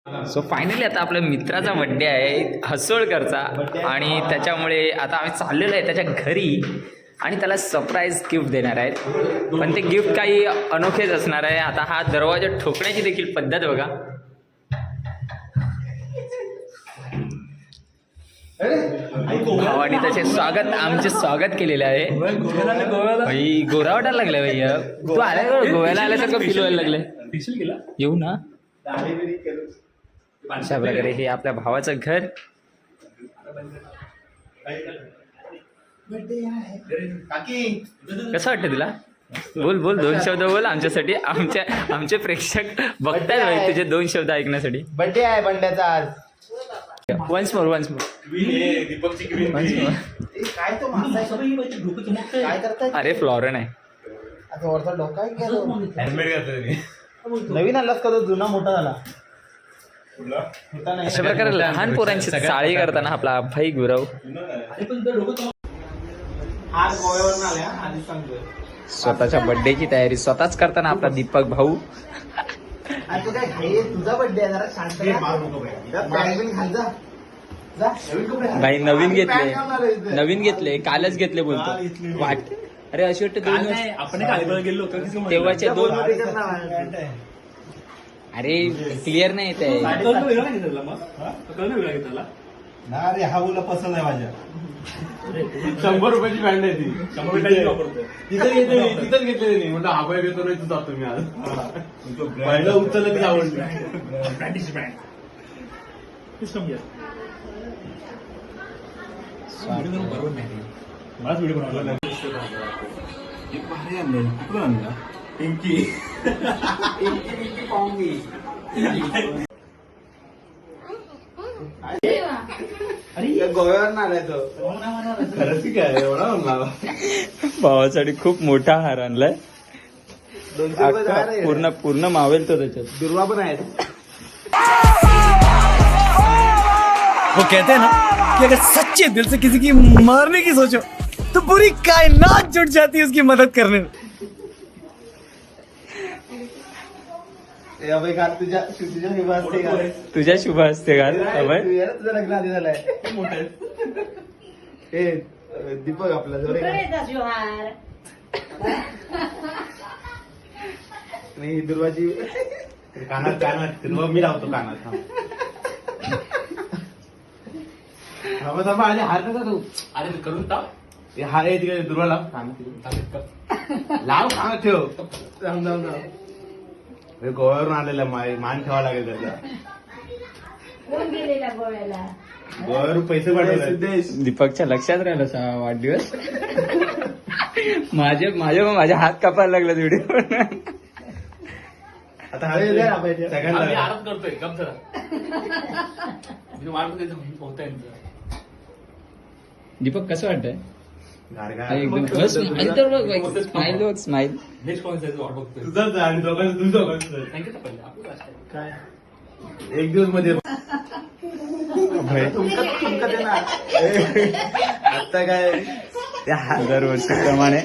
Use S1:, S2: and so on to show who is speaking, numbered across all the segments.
S1: So finally आता आपल्या मित्राचा बड्डे आहे हसोळकरचा आणि त्याच्यामुळे आता आम्ही चाललेलो आहे त्याच्या घरी आणि त्याला सरप्राईज गिफ्ट देणार आहेत. पण ते गिफ्ट काही अनोखेच असणार आहे. आता हा दरवाजा ठोकण्याची देखील पद्धत बघा. भावानी त्याचे आमचे स्वागत केलेले आहे. भाई गोरा वाटायला लागलाय भैया. तू आल्या गोव्याला आल्यासारखं फील व्हायला लागलंय. येऊ ना. अशा प्रकारे हे आपल्या भावाचं घर. कसं वाटतं तुला? बोल बोल, 2 शब्द बोल आमच्यासाठी. आमचे प्रेक्षक बघताय भाई तुझे 2 शब्द ऐकण्यासाठी.
S2: बड्डे आहे बंड्याचा आज.
S1: वन्स मोर
S2: दीपकची ग्रीन काय तो मासा काय करताय?
S1: अरे फ्लॉरन आहे.
S2: आता वरचा डोका आहे का? नवीन आलास का? तो जुना मोठा झाला.
S1: अशा प्रकारे लहान पोरांची चाळी करताना आपला भाई गुरव
S2: आज गोव्यावरून आल्या आधी सांगतोय.
S1: स्वतःच्या बर्थडेची तयारी स्वतःच करताना आपला दीपक भाऊ.
S2: तू काय घाई? तुझा बड्डे आहे, जरा शांत खाल जा.
S1: भाई नवीन घेतले कालच घेतले बोलतो वाट. अरे अशी वाटतं 2 वर्ष
S3: आपण गेलो
S1: तेव्हाचे 2. अरे क्लिअर नाही येत आहे.
S3: अरे हा मुला पसंत आहे माझ्या.
S2: 100 रुपयाची बँड आहे ती.
S3: 100 रुपयाची वापरतो.
S2: तिथंच घेतलेली म्हणतो हा बाय घेतो नाही तू जातो मी आज. पहिलं उचललं ती आवडली.
S3: ब्रँडीची ब्रँड बरोबर नाही. मलाच व्हिडिओ बनवला नाही. भारी आणलं. कुठून आणला? पिंकी
S2: अरे गोव्यावरून आलाय तो.
S3: खरंच की काय एवढा म्हणला.
S1: भावासाठी खूप मोठा हार आणलाय.
S2: 200 रुपये झाला रे.
S1: पूर्ण मावेल तो त्याच्यात.
S2: दुर्वा पण आहेत.
S4: वो कहते हैं ना कि अगर सच्चे दिल से किसी की मारने की सोचो तो पूरी कायनात जुट जाती है उसकी मदद करने में.
S2: तुझ्या शुभ असते का?
S1: तुझ्या शुभ असते घाल.
S2: तुझं लग्न आधी झालंय. हे दीपक आपला जोरे नाही दुर्वाची
S3: कानात मी लावतो कानात.
S2: थांबा आणि हार नका तू.
S3: अरे तू करून टाक.
S2: हार आहे तिकडे दुर्वा लाव. लाव कानात ठेव. जाऊ
S3: गोव्यावरून आलेला मान ठेवा लागेल त्याचा. गोव्यावरून पैसे पाठवले.
S1: दीपकच्या लक्षात राहिला वाढदिवस. माझ्या हात कापायला लागला व्हिडिओ.
S3: आता
S2: सगळ्यांना
S3: आराम करतोय कम होत.
S1: दीपक कसं वाटतंय?
S3: एकदम
S1: स्माइल.
S3: नेक्स्ट कॉन्सर्ट वाट बघतोय. तुझंच आणि दोघांचं थँक्यू तर पहिले
S2: काय
S3: एक दिवस मध्ये
S2: तुमका देणार.
S3: आता काय
S1: त्या दरवर्षीप्रमाणे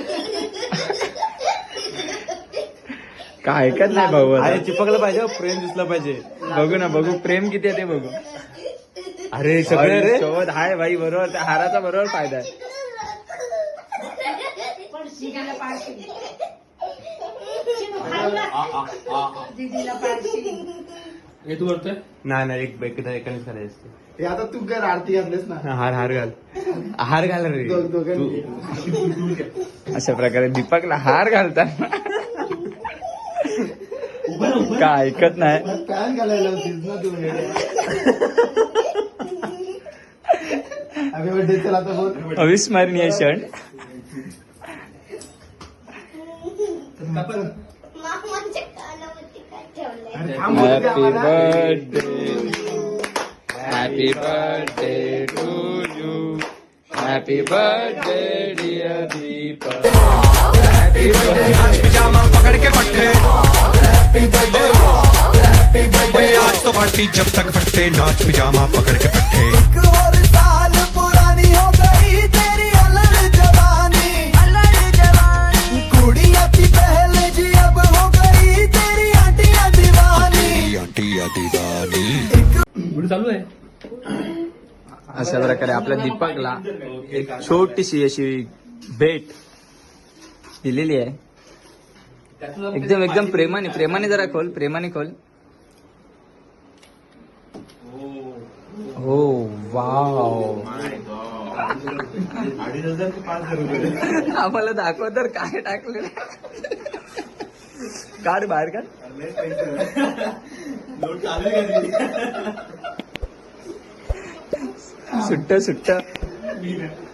S1: काय ऐकत नाही भाऊ.
S3: अरे चिपकलं पाहिजे, प्रेम दिसलं पाहिजे.
S1: बघू ना बघू प्रेम किती आहे ते बघू.
S3: अरे सगळे रे
S1: सोबत हाय भाई. बरोबर त्या हाराचा बरोबर फायदा आहे.
S3: हे तू करतोय? नाही एकानेच करायचं असते.
S2: हे आता तू काय आरती घातलीस ना.
S3: हार घाल रे.
S1: अशा प्रकारे दीपकला हार घालताना काय ऐकत नाही.
S2: पॅन घालायला होतीस ना तू. Happy birthday. चला आता बोल.
S1: अविस्मरणीय क्षण. Happy birthday to you. Happy birthday dear Deepak. Happy birthday.
S4: पकड़ के पट्टे आज तो पार्टी जब तक फटते नाच पिजामा पकड़ के पट्टे. साल पुरानी हो गई तेरी अलग जवानी. कुड़िया थी पहले जी अब हो गई तेरी आंटिया दीवानी. आंटिया दीवानी.
S3: पुढे चालू आहे.
S1: अशा प्रकारे आपल्या दीपकला एक छोटीशी अशी भेट दिलेली आहे. एकदम एकदम प्रेमाने जरा खोल, प्रेमाने खोल. हो वाव.
S3: 2,500 ते 5,000 रुपये.
S1: आम्हाला दाखव तर काय टाकलेलं. काढ बाहेर काढ.
S3: नोट चालू आहे का?
S1: सुट्ट